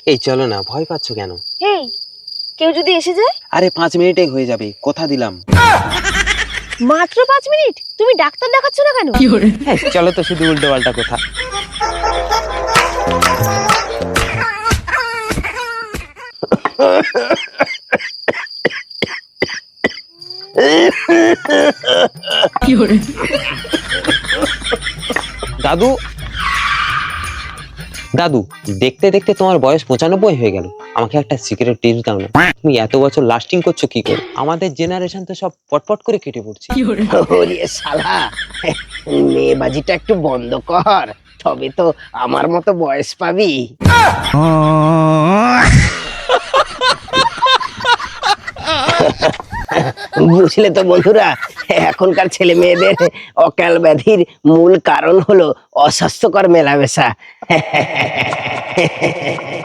এই চলো না, ভয় পাচ্ছ কেন? এই কেউ যদি এসে যায়? আরে 5 মিনিটেই হয়ে যাবে, কথা দিলাম। মাত্র 5 মিনিট? তুমি ডাক্তার দেখাচ্ছ না কেন? হ্যাঁ চলো তো, শুধু উল্টো পাল্টা কথা। দাদু দাদু, দেখতে দেখতে তোমার বয়স 95 হয়ে গেল। আমাকে একটা সিগারেট টিপস দাও না। তুমি এত বছর লাস্টিং করছো কি করে? আমাদের জেনারেশন তো সব পটপট করে কেটে পড়ছে। ওরে শালা, মেয়েবাজিটা একটু বন্ধ কর, তবে তো আমার মতো বয়স পাবি। বুঝলে তো বন্ধুরা, এখনকার ছেলে মেয়েদের অকাল ব্যাধির মূল কারণ হলো অস্বাস্থ্যকর মেলামেশা।